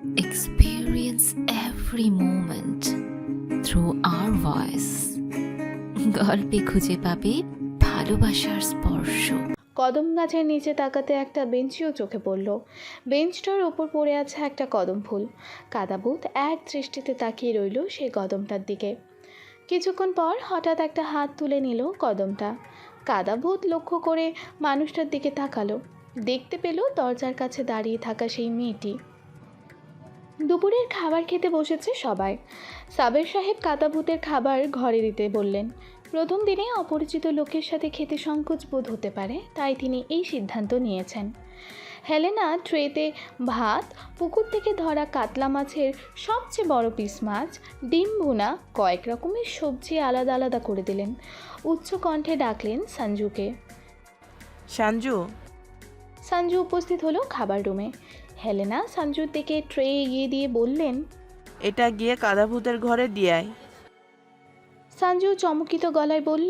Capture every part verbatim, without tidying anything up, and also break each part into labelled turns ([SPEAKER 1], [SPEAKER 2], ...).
[SPEAKER 1] experience every moment through our voice. গল্পে খুঁজে পাবে ভালোবাসার স্পর্শ।
[SPEAKER 2] কদম গাছের নিচে তাকাতে একটা বেঞ্চিও চোখে পড়ল। বেঞ্চটার ওপর পড়ে আছে একটা কদম ফুল। কাদাভূত এক দৃষ্টিতে তাকিয়ে রইল সেই কদমটার দিকে। কিছুক্ষণ পর হঠাৎ একটা হাত তুলে নিল কদমটা। কাদাভূত লক্ষ্য করে মানুষটার দিকে তাকালো। দেখতে পেল দরজার কাছে দাঁড়িয়ে থাকা সেই মেয়েটি। দুপুরের খাবার খেতে বসেছে সবাই। সাবের সাহেব কাদাভূতের খাবার ঘরে দিতে বললেন। প্রথম দিনে অপরিচিত লোকের সাথে খেতে সংকোচ বোধ হতে পারে, তাই তিনি এই সিদ্ধান্ত নিয়েছেন। হেলেনা ট্রেতে ভাত, পুকুর থেকে ধরা কাতলা মাছের সবচেয়ে বড় পিস মাছ, ডিম ভুনা, কয়েক রকমের সবজি আলাদা আলাদা করে দিলেন। উচ্চ কণ্ঠে ডাকলেন সঞ্জুকে।
[SPEAKER 3] সঞ্জু।
[SPEAKER 2] সঞ্জু উপস্থিত হলো খাবার রুমে। হেলেনা সঞ্জুর দিকে ট্রে এগিয়ে দিয়ে বললেন,
[SPEAKER 3] এটা গিয়ে কাদাভূতের ঘরে দিয়ে আয়।
[SPEAKER 2] সঞ্জু চমকিত গলায় বলল,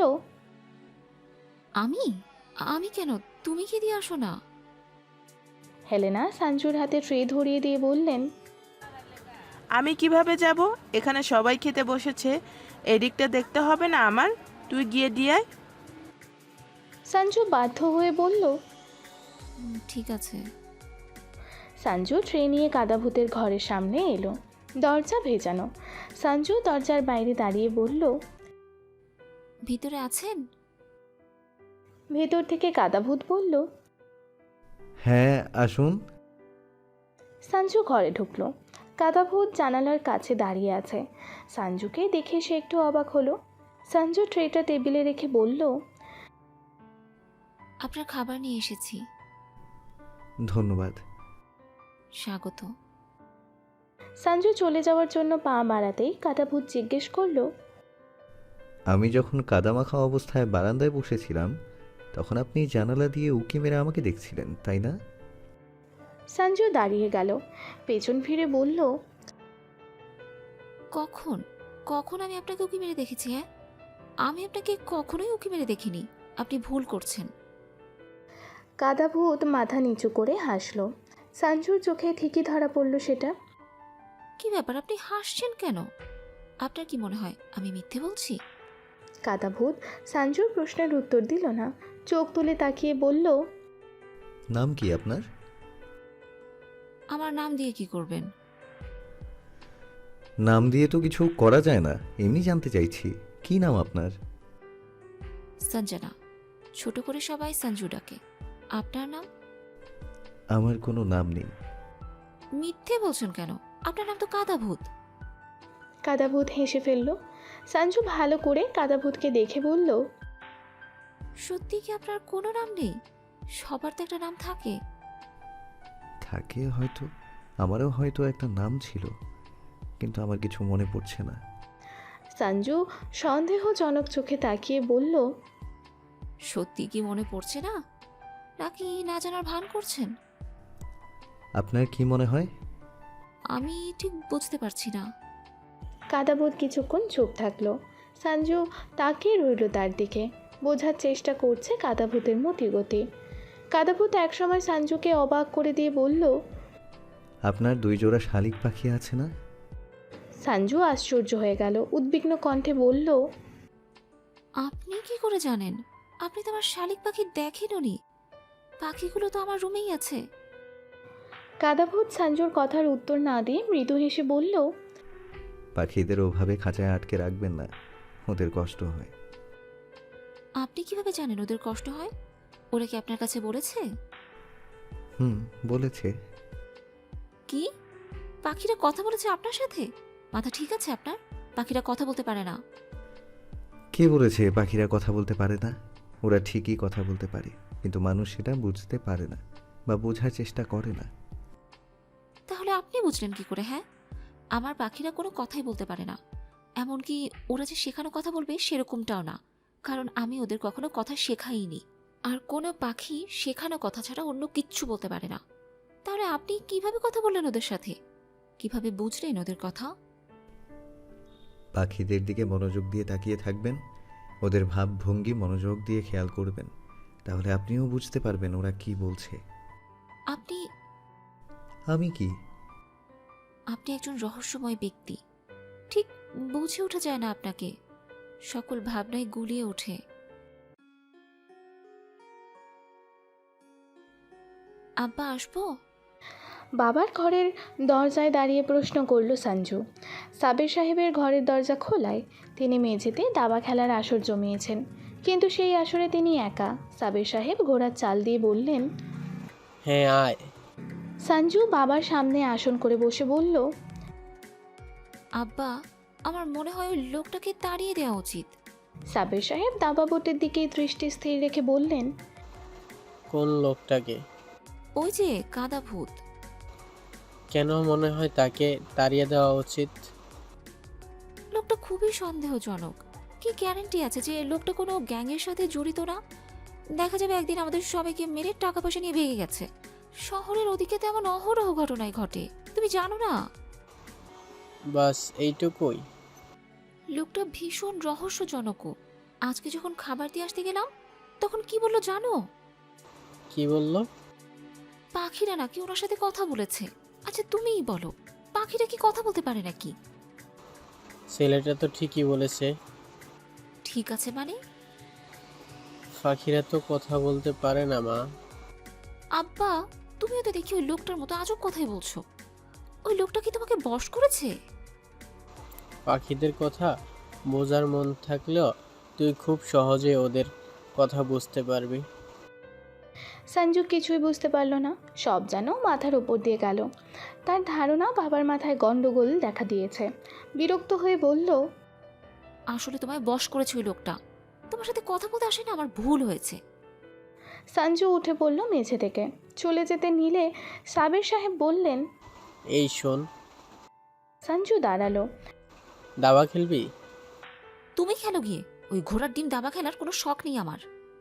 [SPEAKER 1] আমি আমি কেন? তুমি কি দিয়ে আসো না?
[SPEAKER 2] হেলেনা সঞ্জুর হাতে ট্রে ধরিয়ে দিয়ে বললেন,
[SPEAKER 3] আমি কিভাবে যাব? এখানে সবাই খেতে বসেছে, এদিকটা দেখতে হবে না আমার? তুই গিয়ে দিয়ে আয়।
[SPEAKER 2] সঞ্জু বাধ্য হয়ে বলল।
[SPEAKER 1] "উম, ঠিক আছে।"
[SPEAKER 2] সঞ্জু ট্রে নিয়ে কাদাভূতের ঘরের সামনে এলো। দরজা ভেজানো। সঞ্জু দরজার বাইরে দাঁড়িয়ে বলল,
[SPEAKER 1] ভিতরে আছেন?
[SPEAKER 2] ভেতর থেকে কাদাভূত বলল।
[SPEAKER 4] হ্যাঁ, আসুন।
[SPEAKER 2] সঞ্জু ঘরে ঢুকলো। কাদাভূত জানালার কাছে দাঁড়িয়ে আছে। সঞ্জুকে দেখে সে একটু অবাক হলো। সঞ্জু ট্রেটা টেবিলে রেখে বলল,
[SPEAKER 1] আপনার খাবার নিয়ে এসেছি।
[SPEAKER 4] ধন্যবাদ।
[SPEAKER 1] স্বাগত।
[SPEAKER 2] সঞ্জু চলে যাওয়ার জন্য পা বাড়াতেই কাদাভূত জিজ্ঞেস করলো,
[SPEAKER 4] আমি যখন কাদামাখা অবস্থায় বারান্দায় বসেছিলাম তখন আপনি জানালা দিয়ে উঁকি মেরে আমাকে দেখছিলেন, তাই না?
[SPEAKER 2] সঞ্জু দাঁড়িয়ে গেল। পেছন ফিরে বলল,
[SPEAKER 1] কখন কখন আমি আপনাকে উকি মেরে দেখেছি? হ্যাঁ, আমি আপনাকে কখনোই উকি মেরে দেখিনি। আপনি ভুল করছেন।
[SPEAKER 2] কাদাভূত মাথা নিচু করে হাসলো। সঞ্জুর চোখে ঠিকই ধরা পড়ল সেটা।
[SPEAKER 1] কি ব্যাপার, আপনি হাসছেন কেন? আপনার কি মনে হয় আমি মিথ্যে বলছি?
[SPEAKER 2] কাদাভূত সঞ্জুর প্রশ্নের উত্তর দিল না। চোখ তুলে তাকিয়ে বলল,
[SPEAKER 4] নাম কি আপনার?
[SPEAKER 1] আমার নাম দিয়ে কি করবেন?
[SPEAKER 4] নাম দিয়ে তো কিছু করা যায় না, এমনি জানতে চাইছি কি নাম আপনার?
[SPEAKER 1] সঞ্জনা। ছোট করে সবাই সঞ্জু ডাকে। আপনার নাম?
[SPEAKER 4] আমার কোনো নাম নেই।
[SPEAKER 1] মিথ্যে বলছেন কেন? আপনার নাম তো কাদাভূত।
[SPEAKER 2] কাদাভূত হেসে ফেলল। সঞ্জু ভালো করে কাদাভূতকে দেখে বলল,
[SPEAKER 1] সত্যি কি আপনার কোনো নাম নেই? সবার তো একটা নাম থাকে।
[SPEAKER 4] থাকে হয়তো, আমারও হয়তো একটা নাম ছিল, কিন্তু আমার কিছু মনে পড়ছে না।
[SPEAKER 2] সঞ্জু সন্দেহজনক চোখে তাকিয়ে বলল,
[SPEAKER 1] সত্যি কি মনে পড়ছে না, নাকি না জানার ভান করছেন?
[SPEAKER 4] আপনার কি মনে হয়?
[SPEAKER 1] আমি ঠিক বুঝতে পারছি না।
[SPEAKER 2] কাদাভূত কিছুক্ষণ চুপ থাকলো। সঞ্জু তাকিয়ে রইল তার দিকে, বোঝার চেষ্টা করছে কাদাভূতের মতিগতি। কাদাভূত একসময় সঞ্জুকে অবাক করে দিয়ে বলল,
[SPEAKER 4] আপনার দুই জোড়া শালিক পাখি আছে না?
[SPEAKER 2] সঞ্জু আশ্চর্য হয়ে গেল, উদ্বিগ্ন কণ্ঠে বলল,
[SPEAKER 1] আপনি কি করে জানেন? আপনি তো আমার শালিক পাখি দেখেননি। পাখিগুলো তো আমার রুমেই আছে।
[SPEAKER 2] কাদাভূত সঞ্জুর কথার উত্তর না দিয়ে মৃদু হেসে বলল,
[SPEAKER 4] পাখিদের ওভাবে খাঁচায় আটকে রাখবেন না, ওদের কষ্ট হয়।
[SPEAKER 1] আপনি কিভাবে জানেন ওদের কষ্ট হয়? ওরা কি আপনার কাছে বলেছে?
[SPEAKER 4] হুম, বলেছে।
[SPEAKER 1] কি? পাখিরা কথা বলেছে আপনার সাথে? মাথা ঠিক আছে আপনার? পাখিরা কথা বলতে পারে না।
[SPEAKER 4] কে বলেছে পাখিরা কথা বলতে পারে না? ওরা ঠিকই কথা বলতে পারে, কিন্তু মানুষ সেটা বুঝতে পারে না বা বোঝার চেষ্টা করে না।
[SPEAKER 1] তাহলে আপনি বুঝলেন কি করে? হ্যাঁ, আমার পাখিরা কোনো কথাই বলতে পারে না। এমনকি ওরা যে শেখানো কথা বলবে সেরকমটাও না, কারণ আমি ওদের কখনো কথা শেখাইনি। আর কোনো পাখি শেখানো কথা ছাড়া অন্য কিচ্ছু বলতে পারে না। তাহলে আপনি কিভাবে কথা বললেন ওদের সাথে? কিভাবে বুঝলেন ওদের কথা?
[SPEAKER 4] পাখিদের দিকে মনোযোগ দিয়ে তাকিয়ে থাকবেন, ওদের ভাবভঙ্গি মনোযোগ দিয়ে খেয়াল করবেন, তাহলে আপনিও বুঝতে পারবেন ওরা কি বলছে।
[SPEAKER 1] আপনি
[SPEAKER 4] আমি কি?
[SPEAKER 1] আপনি একজন রহস্যময় ব্যক্তি। ঠিক বুঝে ওঠা যায় না আপনাকে, সকল ভাবনায় গুলিয়ে ওঠে। আব্বা আসবো?
[SPEAKER 2] বাবার ঘরের দরজায় দাঁড়িয়ে প্রশ্ন করল সঞ্জু। সাবির সাহেবের ঘরের দরজা খোলায় তিনি মেঝেতে দাবা খেলার আসর জমিয়েছেন, কিন্তু সেই আসরে তিনি একা। সাবির সাহেব ঘোড়ার চাল দিয়ে বললেন,
[SPEAKER 5] হ্যাঁ আয়।
[SPEAKER 2] সঞ্জু বাবার সামনে আসন করে বসে বলল,
[SPEAKER 1] আব্বা, আমার মনে হয় ওই লোকটাকে তাড়িয়ে দেওয়া উচিত।
[SPEAKER 2] সাবির সাহেব দাবা বোটের দিকে দৃষ্টি স্থির রেখে বললেন,
[SPEAKER 5] কোন লোকটাকে?
[SPEAKER 1] ওই যে কাদা ভূত।
[SPEAKER 5] কেন মনে হয় তাকে তাড়িয়ে দেওয়া উচিত?
[SPEAKER 1] লোকটা খুবই সন্দেহজনক। কি গ্যারান্টি আছে যে লোকটা কোনো গ্যাংয়ের সাথে জড়িত না? দেখা যাবে একদিন আমাদের সবাইকে মেরে টাকা পয়সা নিয়ে ভেঙে গেছে। শহরের ওদিকে তেমন অহরহ ঘটনাই ঘটে, তুমি জানো না?
[SPEAKER 5] বাস এইটুকুই?
[SPEAKER 1] লোকটা ভীষণ রহস্যজনকও। আজকে যখন খাবার দিয়ে আসতে গেলাম তখন কি বললো জানো?
[SPEAKER 5] কি বললো?
[SPEAKER 1] পাখিরা নাকি ওনার সাথে কথা বলেছে। আচ্ছা তুমিই বলো, পাখিরা কি কথা বলতে পারে নাকি?
[SPEAKER 5] ছেলেটা তো ঠিকই বলেছে।
[SPEAKER 1] ঠিক আছে মানে?
[SPEAKER 5] পাখিরা তো কথা বলতে পারে না মা।
[SPEAKER 1] আব্বা, তুমিও তো দেখি ওই লোকটার মতো আজব কথাই বলছো। ওই লোকটা কি তোমাকে বশ করেছে?
[SPEAKER 5] পাখিদের কথা বোঝার মন থাকলেও তুই খুব সহজে ওদের কথা বুঝতে পারবি।
[SPEAKER 2] সঞ্জু কিছুই বুঝতে পারল না, সব যেন মাথার উপর দিয়ে গেল। তার ধারণা বাবার মাথায় গন্ডগোল দেখা দিয়েছে। বিরক্ত হয়ে বলল,
[SPEAKER 1] আসলে তোমায় বশ করেছে ওই লোকটা। তোমার সাথে কথা বলতে আসে না, আমার ভুল হয়েছে।
[SPEAKER 2] সঞ্জু উঠে পড়ল মেঝে থেকে। চলে যেতে নিলে সাবির সাহেব বললেন,
[SPEAKER 5] এই শোন,
[SPEAKER 2] সঞ্জু দাঁড়ালো।
[SPEAKER 5] দাবা খেলবি?
[SPEAKER 1] তুমি খেলো গিয়ে, ওই ঘোড়ার ডিম দাবা খেলার কোনো শখ নেই আমার।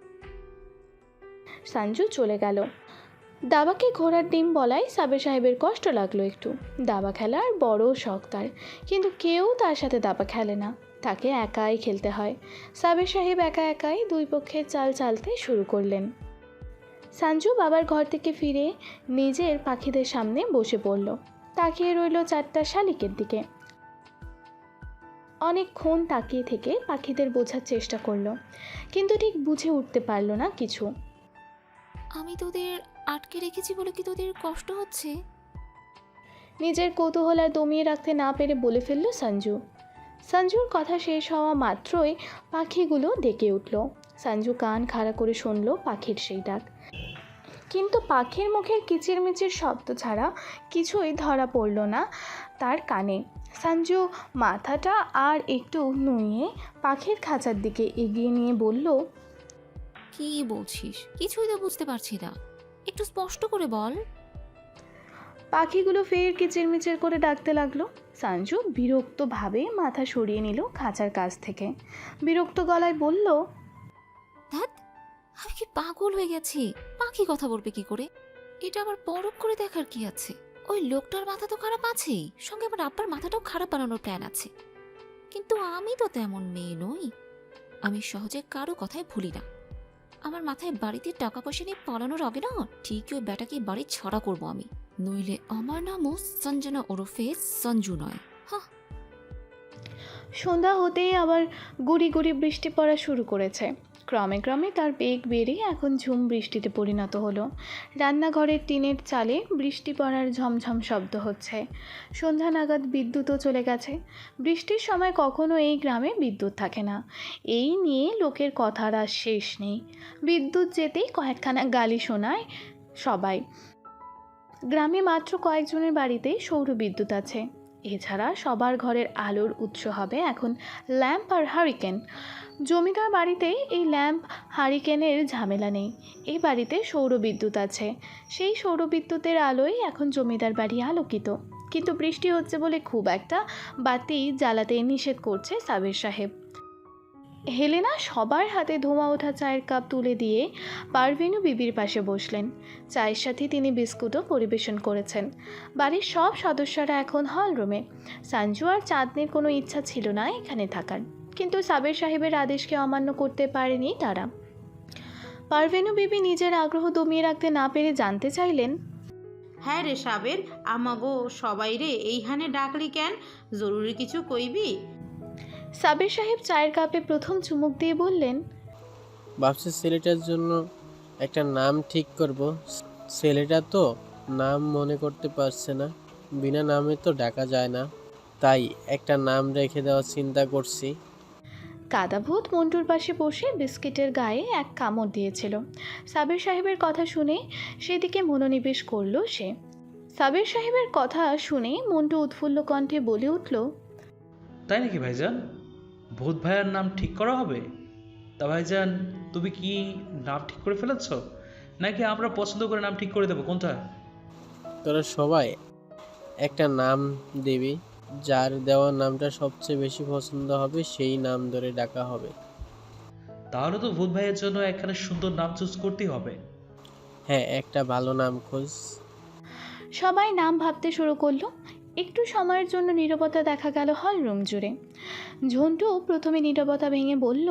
[SPEAKER 2] সঞ্জু চলে গেল। দাবাকে ঘোড়ার ডিম বলায় সাবির সাহেবের কষ্ট লাগলো একটু। দাবা খেলার বড় শখ তার, কিন্তু কেউ তার সাথে দাবা খেলে না, তাকে একাই খেলতে হয়। সাবির সাহেব একা একাই দুই পক্ষের চাল চালতে শুরু করলেন। সঞ্জু বাবার ঘর থেকে ফিরে নিজের পাখিদের সামনে বসে পড়ল। তাকিয়ে রইল চারটা শালিকের দিকে। অনেকক্ষণ তাকিয়ে থেকে পাখিদের বোঝার চেষ্টা করলো, কিন্তু ঠিক বুঝে উঠতে পারল না কিছু।
[SPEAKER 1] আমি তোদের আটকে রেখেছি বলে কি তোদের কষ্ট হচ্ছে?
[SPEAKER 2] নিজের কৌতূহল আর দমিয়ে রাখতে না পেরে বলে ফেলল সঞ্জু। সঞ্জুর কথা শেষ হওয়া মাত্রই পাখিগুলো ডেকে উঠল। সঞ্জু কান খাড়া করে শুনল পাখির সেই ডাক, কিন্তু পাখির মুখের কিচিরমিচির শব্দ ছাড়া কিছুই ধরা পড়ল না তার কানে। সঞ্জু মাথাটা আর একটু নুয়ে পাখির খাঁচার দিকে এগিয়ে নিয়ে বলল,
[SPEAKER 1] কি বলছিস? কিছুই তো বুঝতে পারছি না, একটু স্পষ্ট করে বল।
[SPEAKER 2] পাখিগুলো ফের কিচিরমিচির করে ডাকতে লাগলো। সঞ্জু বিরক্তভাবে মাথা সরিয়ে নিল খাঁচার কাছ থেকে। বিরক্ত গলায় বলল,
[SPEAKER 1] ধ্যাৎ, আমি কি পাগল হয়ে গেছি? পাখি কথা বলবে কি করে? এটা আবার পরখ করে দেখার কি আছে? ওই লোকটার মাথা তো খারাপ আছেই, সঙ্গে আমার আব্বার মাথাটাও খারাপ বানানোর প্ল্যান আছে। কিন্তু আমি তো তেমন মেয়ে নই, আমি সহজে কারো কথায় ভুলি না। আমার মাথায় বাড়িতে টাকা পয়সা নিয়ে পালানোর আগে না ঠিকই ওই ব্যাটাকে বাড়ি ছাড়া করবো আমি, নইলে আমার নামও সঞ্জনা ওরফে সঞ্জু নয়। হ্যাঁ।
[SPEAKER 2] সন্ধ্যা হতেই আবার গুড়ি গুড়ি বৃষ্টি পড়া শুরু করেছে। ক্রমে ক্রমে তার বেগ বেড়ে এখন ঝুম বৃষ্টিতে পরিণত হলো। রান্নাঘরের টিনের চালে বৃষ্টি পড়ার ঝমঝম শব্দ হচ্ছে। সন্ধ্যা নাগাদ বিদ্যুৎও চলে গেছে। বৃষ্টির সময় কখনো এই গ্রামে বিদ্যুৎ থাকে না, এই নিয়ে লোকের কথার আর শেষ নেই। বিদ্যুৎ যেতেই কয়েকখানা গালি শোনায় সবাই। গ্রামে মাত্র কয়েকজনের বাড়িতেই সৌর বিদ্যুৎ আছে। এছাড়া সবার ঘরের আলোর উৎস হবে এখন ল্যাম্প আর হারিকেন। জমিদার বাড়িতে এই ল্যাম্প হারিকেনের ঝামেলা নেই, এই বাড়িতে সৌর বিদ্যুৎ আছে। সেই সৌর বিদ্যুতের আলোয় এখন জমিদার বাড়ি আলোকিত। কিন্তু বৃষ্টি হচ্ছে বলে খুব একটা বাতি জ্বালাতে নিষেধ করছে সাবির সাহেব। হেলেনা সবার হাতে ধোঁয়া ওঠা চায়ের কাপ তুলে দিয়ে পারভিনু বিবির পাশে বসলেন। চায়ের সাথে তিনি বিস্কুটও পরিবেশন করেছেন। বাড়ির সব সদস্যরা এখন হল রুমে। সঞ্জু আর চাঁদনির কোনো ইচ্ছা ছিল না এখানে থাকার, কিন্তু সাবির সাহেবের আদেশকে অমান্য করতে পারেনি তারা। পারভিনু বিবি নিজের আগ্রহ দমিয়ে রাখতে না পেরে জানতে চাইলেন,
[SPEAKER 6] হ্যাঁ রে সাবের, আমাগো সবাই রে এইখানে ডাকলি কেন? জরুরি কিছু কইবি?
[SPEAKER 2] সাবির সাহেব চায়ের কাপে প্রথম চুমুক দিয়ে বললেন,
[SPEAKER 5] ভাবছি ছেলেটার জন্য একটা নাম ঠিক করব। ছেলেটা তো নাম মনে করতে পারছে না, বিনা নামে তো ডাকা যায় না, তাই একটা নাম রেখে দেওয়ার চিন্তা করছি।
[SPEAKER 2] কাদাভূত মন্টুর পাশে বসে বিস্কিটের গায়ে এক কামড় দিয়েছিল। সাবির সাহেবের কথা শুনে সেদিকে মনোনিবেশ করলো সে। সাবির সাহেবের কথা শুনে মন্টু উৎফুল্ল কণ্ঠে বলে উঠল,
[SPEAKER 7] তাই নাকি ভাইজান? ভূত ভাইয়ার নাম ঠিক করা হবে? তা ভাইজান, তুমি কি নাম ঠিক করে ফেলেছ, নাকি আমরা পছন্দ করে নাম ঠিক করে দেবো? কোনটা?
[SPEAKER 5] তোরা সবাই একটা নাম দিবি, যার দেওয়া নামটা সবচেয়ে বেশি পছন্দ হবে সেই নাম ধরে ডাকা হবে।
[SPEAKER 7] তাহলে তো ভূত ভাইয়ের জন্য একখানে সুন্দর নাম চুজ করতেই হবে।
[SPEAKER 5] হ্যাঁ, একটা ভালো নাম খোঁজ।
[SPEAKER 2] সবাই নাম ভাবতে শুরু করলো। একটু সময়ের জন্য নীরবতা দেখা গেল হল রুম জুড়ে। ঝন্টু প্রথমে নীরবতা ভেঙে বলল,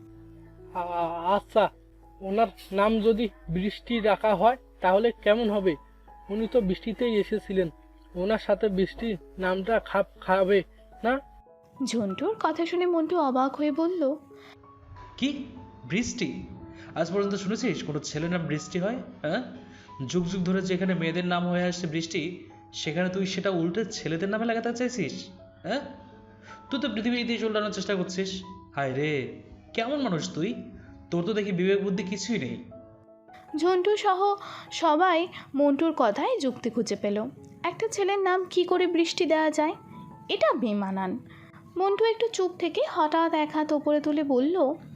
[SPEAKER 8] আ- আচ্ছা, ওনার নাম যদি বৃষ্টি রাখা হয় তাহলে কেমন হবে? উনি তো বৃষ্টিতেই এসেছিলেন, ওনার সাথে বৃষ্টির নামটা খাপ খাবে না?
[SPEAKER 2] ঝন্টুর কথা শুনে মন্টু অবাক হয়ে বলল,
[SPEAKER 7] কি বৃষ্টি? আজ পর্যন্ত শুনেছিস কোনো ছেলের নাম বৃষ্টি হয়? হ্যাঁ, যুগ যুগ ধরে যেখানে মেয়েদের নাম হয়ে আসছে বৃষ্টি, সেখানে তুই সেটা উল্টে ছেলেদের নামে লাগাতে চাইছিস? হ্যাঁ, তুই তো পৃথিবীর ইতিহাস উল্টানোর চেষ্টা করছিস। হায় রে, কেমন মানুষ তুই? তোর তো দেখি বিবেক বুদ্ধি কিছুই নেই।
[SPEAKER 2] ঝন্টু সহ সবাই মন্টুর কথায় যুক্তি খুঁজে পেল। একটা ছেলের নাম কি করে বৃষ্টি দেওয়া যায়? এটা বেমানান। মন্টু একটু চুপ থেকে হঠাৎ এক হাত ওপরে তুলে বলল,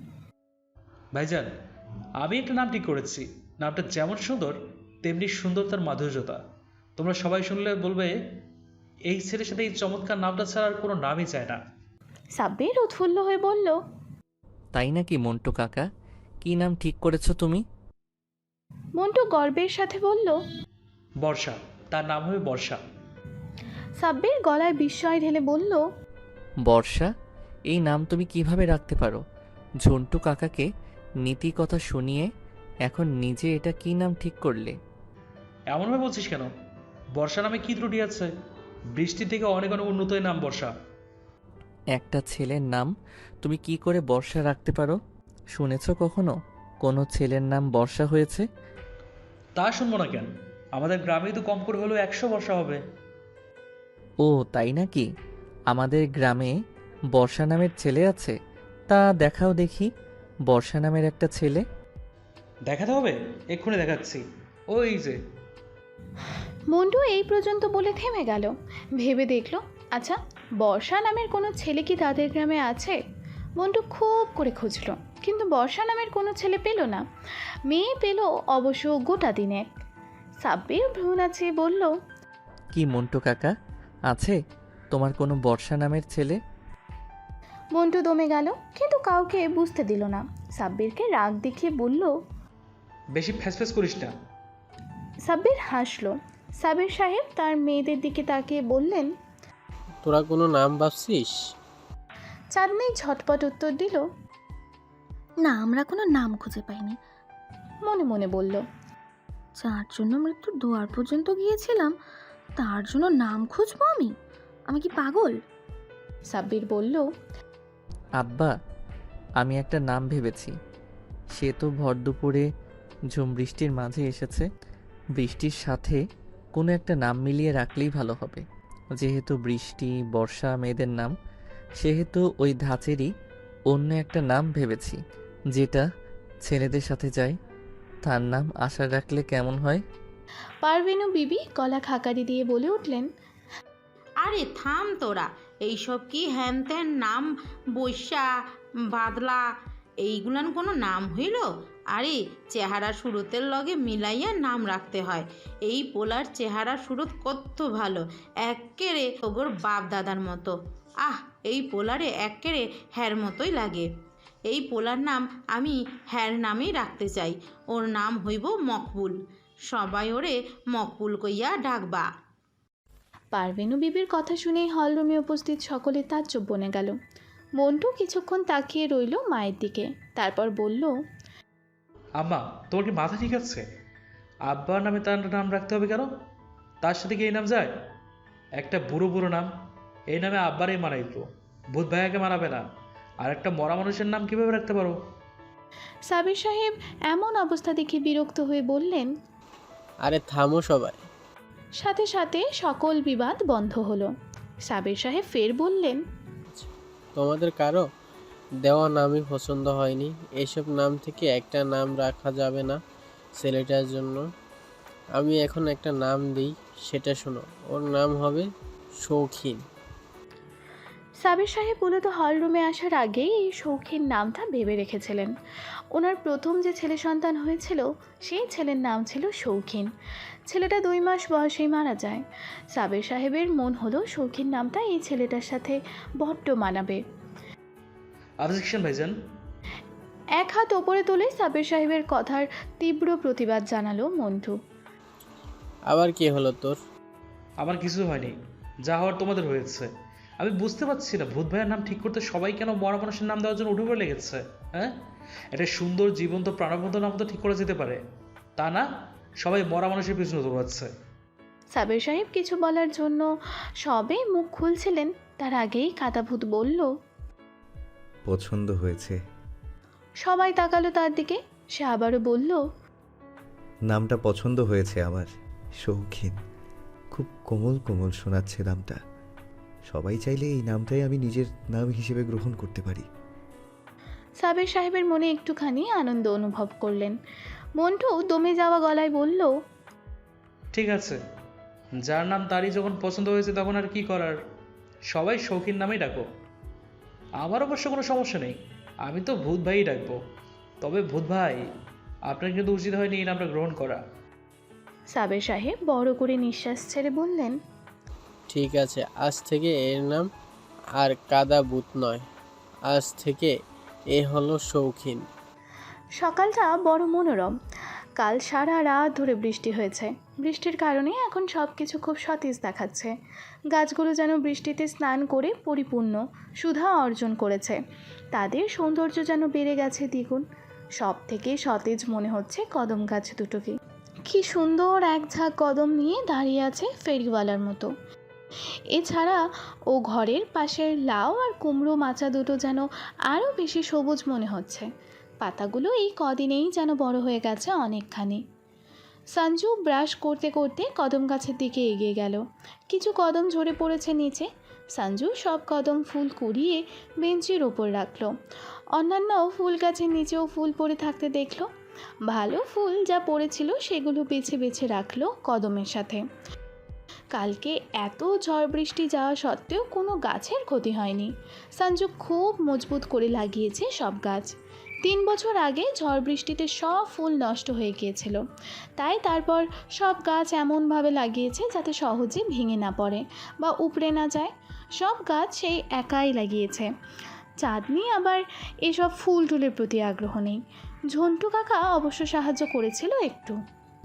[SPEAKER 7] ভাইজান, আমি একটা নাম ঠিক করেছি। নামটা যেমন সুন্দর তেমনি সুন্দর তার মাধুর্যতা। তোমরা সবাই শুনলে বলবে এই ছেলের সাথে এই চমৎকার নামটা ছাড়া আর কোনো নামই চায় না।
[SPEAKER 2] সাব্বির উৎফুল্ল হয়ে বলল,
[SPEAKER 9] তাই নাকি মন্টু কাকা? কি নাম ঠিক করেছো তুমি?
[SPEAKER 2] মন্টু গর্বের সাথে বলল,
[SPEAKER 7] বর্ষা, তার নাম হবে বর্ষা।
[SPEAKER 2] সাব্বির গলায় বিস্ময় ঢেলে বলল,
[SPEAKER 9] বর্ষা? এই নাম তুমি কিভাবে রাখতে পারো? ঝন্টু কাকাকে নীতি কথা শুনিয়ে এখন নিজে এটা কি নাম ঠিক করলে?
[SPEAKER 7] এমনভাবে বলছিস কেন? বর্ষা নামে কি ত্রুটি আছে? বৃষ্টি থেকে অনেক অনেক উন্নত এই নাম বর্ষা।
[SPEAKER 9] একটা ছেলের নাম তুমি কি করে বর্ষা রাখতে পারো? শুনেছ কখনো কোনো ছেলের নাম বর্ষা হয়েছে?
[SPEAKER 7] তা শুনবো না কেন? আমাদের গ্রামেই তো কম করে হলেও একশো বর্ষা হবে।
[SPEAKER 9] ও তাই নাকি? আমাদের গ্রামে বর্ষা নামের ছেলে আছে? তা দেখাও দেখি বর্ষা নামের একটা ছেলে।
[SPEAKER 7] দেখাতে হবে? এক্ষুনি দেখাচ্ছি, ওই যে।
[SPEAKER 2] মন্টু এই পর্যন্ত বলে থেমে গেল। ভেবে দেখল, আচ্ছা, বর্ষা নামের কোনো ছেলে কি তাদের গ্রামে আছে? মন্টু খুব করে খুঁজল, কিন্তু বর্ষা নামের কোনো ছেলে পেল না। মেয়ে পেল অবশ্য গোটা দিনেক। সাব্বির ভ্রু নাচিয়ে বলল,
[SPEAKER 9] কি মন্টু কাকা, আছে তোমার কোনো বর্ষা নামের ছেলে?
[SPEAKER 2] মন্টু দমে গেল, কিন্তু কাউকে বুঝতে দিল না। সাব্বিরকে রাগ দেখিয়ে বলল,
[SPEAKER 7] বেশি ফ্যাসফ্যাস করিস না।
[SPEAKER 2] সাব্বির হাসল। সাবির সাহেব তার মেয়েদের দিকে তাকিয়ে বললেন,
[SPEAKER 5] তোরা কোনো নাম ভাবছিস?
[SPEAKER 2] চাঁদনি ঝটপট উত্তর দিল,
[SPEAKER 10] না, আমরা কোনো নাম খুঁজে পাইনি।
[SPEAKER 2] মনে মনে বলল,
[SPEAKER 10] যার জন্য মৃত্যুর দুয়ার পর্যন্ত গিয়েছিলাম তার জন্য নাম খুঁজবো আমি? আমি কি পাগল?
[SPEAKER 2] সাব্বির বলল,
[SPEAKER 9] আব্বা, আমি একটা নাম ভেবেছি। সে তো ভর দুপুরে ঝুম বৃষ্টির মাঝে এসেছে, বৃষ্টির সাথে কোনো একটা নাম মিলিয়ে রাখলেই ভালো হবে। যেহেতু বৃষ্টি বর্ষা মেয়েদের নাম, সেহেতু ওই ধাঁচেরই অন্য একটা নাম ভেবেছি যেটা ছেলেদের সাথে যায়। তার নাম আশা রাখলে কেমন হয়?
[SPEAKER 2] পারভেনু বিবি গলা খাকারি দিয়ে বলে উঠলেন,
[SPEAKER 6] আরে থাম তোরা, এইসব কি হ্যান ত্যান নাম? বৈশা, বাদলা, এইগুলান কোনো নাম হইল? আরে চেহারা সুরতের লগে মিলাইয়া নাম রাখতে হয়। এই পোলার চেহারা সুরত কত ভালো, এক্কেরে ওগোর বাপ দাদার মতো। আহ, এই পোলারে এক্কেরে হ্যার মতোই লাগে। এই পোলার নাম আমি হ্যার নামেই রাখতে চাই। ওর নাম হইব মকবুল। সবাই ওরে মকবুল কইয়া ডাকবা।
[SPEAKER 2] পারভেনু বিবির কথা শুনেই হলরুমে উপস্থিত সকলে তাজ্জব বনে গেল। মন্টু কিছুক্ষণ তাকিয়ে রইল মায়ের দিকে, তারপর বলল,
[SPEAKER 7] আম্মা, তোমার কি মাথা ঠিক আছে? আব্বার নামে তার নাম রাখতে হবে কেন? তার সাথে কি এই নাম যায়? একটা বুড়ো বুড়ো নাম, এই নামে আব্বারই মানাইতো, ভূত ভাইয়াকে মানাবে না। আর একটা মরা মানুষের নাম কিভাবে রাখতে পারো?
[SPEAKER 2] সাবির সাহেব এমন অবস্থা দেখে বিরক্ত হয়ে বললেন।
[SPEAKER 5] আরে থামো সবাই।
[SPEAKER 2] সাথে সাথে সকল বিবাদ বন্ধ হলো। সাবির সাহেব ফের বললেন,
[SPEAKER 5] তোমাদের কারো দেওয়া নামই পছন্দ হয়নি? এইসব নাম থেকে একটা নাম রাখা যাবে না ছেলেটার জন্য? আমি এখন একটা নাম দিই, সেটা শোনো। ওর নাম হবে শৌখিন।
[SPEAKER 2] সাবির সাহেব মূলত হলরুমে আসার আগেই এই শৌখিন নামটা ভেবে রেখেছিলেন। ওনার প্রথম যে ছেলে সন্তান হয়েছিল সেই ছেলের নাম ছিল শৌখিন। ছেলেটা দুই মাস বয়সেই মারা যায়। সাবির সাহেবের মন হলো শৌখিন নামটা এই ছেলেটার সাথে বড্ড মানাবে।
[SPEAKER 7] অবজেকশন ভাইজান।
[SPEAKER 2] এক হাত ওপরে তুলে সাবির সাহেবের কথার তীব্র প্রতিবাদ জানালো মন্টু।
[SPEAKER 5] আবার কি হলো তোর?
[SPEAKER 7] আমার কিছু হয়নি, যা হওয়ার তোমাদের হয়েছে। আমি বুঝতে পারছি না ভূত ভাইয়ের নাম ঠিক করতে সবাই কেন মরা মানুষের নাম দেওয়ার জন্য উঠে পড়ে লেগেছে। হ্যাঁ, একটা সুন্দর জীবন্ত প্রাণবন্ত নাম তো ঠিক করা যেতে পারে, তা না সবাই মরা মানুষের পিছনে দৌড়াচ্ছে।
[SPEAKER 2] সাবির সাহেব কিছু বলার জন্য সবে মুখ খুলছিলেন, তার আগেই কাদাভূত বলল,
[SPEAKER 4] পছন্দ হয়েছে।
[SPEAKER 2] সবাই তাকালো তার দিকে। সে আবারও বলল,
[SPEAKER 4] নামটা পছন্দ হয়েছে আমার, শৌখিন। খুব কোমল কোমল শোনাচ্ছে নামটা। সবাই চাইলে এই নামটাই আমি নিজের নাম হিসেবে গ্রহণ করতে পারি।
[SPEAKER 2] সাবির সাহেবের মনে একটুখানি আনন্দ অনুভব করলেন। মন্টু দমে যাওয়া গলায় বলল,
[SPEAKER 7] ঠিক আছে, যার নাম তারই যখন পছন্দ হয়েছে তখন আর কি করার, সবাই শৌখিন নামেই ডাকো। আমার অবশ্য কোনো সমস্যা নেই, আমি তো ভূত ভাইই ডাকবো। তবে ভূত ভাই, আপনার কিন্তু উচিত হয়নি এই নামটা গ্রহণ করা।
[SPEAKER 2] সাবির সাহেব বড় করে নিঃশ্বাস ছেড়ে বললেন,
[SPEAKER 5] ঠিক আছে, আজ থেকে এর নাম আর কাদা ভূত নয়, আজ থেকে এ হলো শৌখিন।
[SPEAKER 2] সকালটা বড় মনোরম। কাল সারা রাত ধরে বৃষ্টি হয়েছে। বৃষ্টির কারণে এখন সব কিছু খুব সতেজ দেখাচ্ছে। গাছগুলো যেন বৃষ্টিতে স্নান করে পরিপূর্ণ সুধা অর্জন করেছে। তাদের সৌন্দর্য যেন বেড়ে গেছে দ্বিগুণ। সব থেকে সতেজ মনে হচ্ছে কদম গাছ দুটোকে। কি সুন্দর এক ঝাঁক কদম নিয়ে দাঁড়িয়ে আছে ফেরিওয়ালার মতো। এছাড়া ও ঘরের পাশের লাউ আর কুমড়ো মাচা দুটো যেন আরও বেশি সবুজ মনে হচ্ছে। পাতাগুলো এই কদিনেই যেন বড় হয়ে গেছে অনেকখানি। সঞ্জু ব্রাশ করতে করতে কদম গাছের দিকে এগিয়ে গেল। কিছু কদম ঝরে পড়েছে নিচে। সঞ্জু সব কদম ফুল কুড়িয়ে বেঞ্চের ওপর রাখলো। অন্যান্য ফুল গাছের নিচেও ফুল পড়ে থাকতে দেখলো। ভালো ফুল যা পড়েছিল সেগুলো বেছে বেছে রাখলো কদমের সাথে। কালকে এত ঝড় বৃষ্টি যাওয়া সত্ত্বেও কোনো গাছের ক্ষতি হয়নি। সঞ্জু খুব মজবুত করে লাগিয়েছে সব গাছ। তিন বছর আগে ঝড় বৃষ্টিতে সব ফুল নষ্ট হয়ে গিয়েছিল, তাই তারপর সব গাছ এমনভাবে লাগিয়েছে যাতে সহজে ভেঙে না পড়ে বা উপড়ে না যায়। সব গাছ সেই একাই লাগিয়েছে। চাঁদনি আবার এসব ফুল টুলের প্রতি আগ্রহ নেই। ঝন্টু কাকা অবশ্য সাহায্য করেছিল একটু।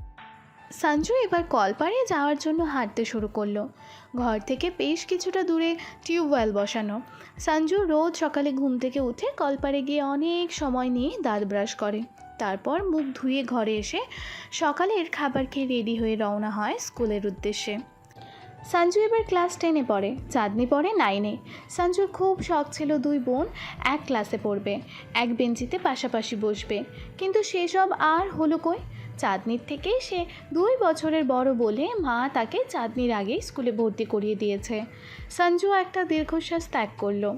[SPEAKER 2] সঞ্জু এবার কলপাড়ে যাওয়ার জন্য হাঁটতে শুরু করলো। ঘর থেকে বেশ কিছুটা দূরে টিউবওয়েল বসানো। সঞ্জু রোজ সকালে ঘুম থেকে উঠে কলপাড়ে গিয়ে অনেক সময় নিয়ে দাঁত ব্রাশ করে। তারপর মুখ ধুয়ে ঘরে এসে সকালের খাবার খেয়ে রেডি হয়ে রওনা হয় স্কুলের উদ্দেশ্যে। সঞ্জু এবার ক্লাস টেনে পড়ে, চাঁদনি পড়ে নাইনে। সঞ্জুর খুব শখ ছিল দুই বোন এক ক্লাসে পড়বে, এক বেঞ্চিতে পাশাপাশি বসবে, কিন্তু সেসব আর হলো কই। চাঁদনির থেকে সে দুই বছরের বড় বলে মা তাকে চাঁদনির আগেই স্কুলে ভর্তি করিয়ে দিয়েছে। সঞ্জু একটা দীর্ঘশ্বাস ত্যাগ করলো।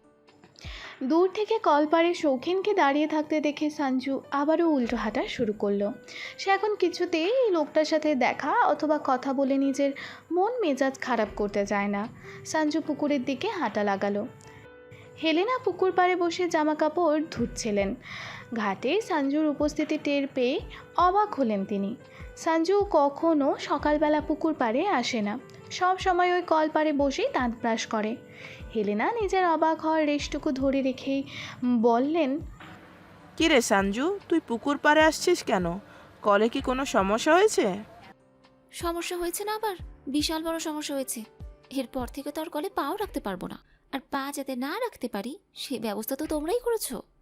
[SPEAKER 2] দূর থেকে কলপাড়ে শৌখিনকে দাঁড়িয়ে থাকতে দেখে সঞ্জু আবারও উল্টো হাঁটা শুরু করলো। সে এখন কিছুতেই এই লোকটার সাথে দেখা অথবা কথা বলে নিজের মন মেজাজ খারাপ করতে চায় না। সঞ্জু পুকুরের দিকে হাঁটা লাগালো। হেলেনা পুকুর পাড়ে বসে জামা কাপড় ধুচ্ছিলেন। ঘাটে সঞ্জুর উপস্থিতি টের পেয়ে অবাক হলেন তিনি। সঞ্জু কখনো সকালবেলা পুকুর পাড়ে আসে না, সব সময় ওই কল পাড়ে বসেই দাঁত ব্রাশ করে। হেলেনা নিজের অবাক হওয়ার রেশটুকু ধরে রেখেই বললেন,
[SPEAKER 3] কি রে সঞ্জু, তুই পুকুর পাড়ে আসছিস কেন? কলে কি কোনো সমস্যা হয়েছে?
[SPEAKER 1] সমস্যা হয়েছে না, আবার বিশাল বড় সমস্যা হয়েছে। এরপর থেকে তো আর কলে পাও রাখতে পারবো না, আর পা যাতে না রাখতে পারি সে ব্যবস্থা তো তোমরাই করেছো।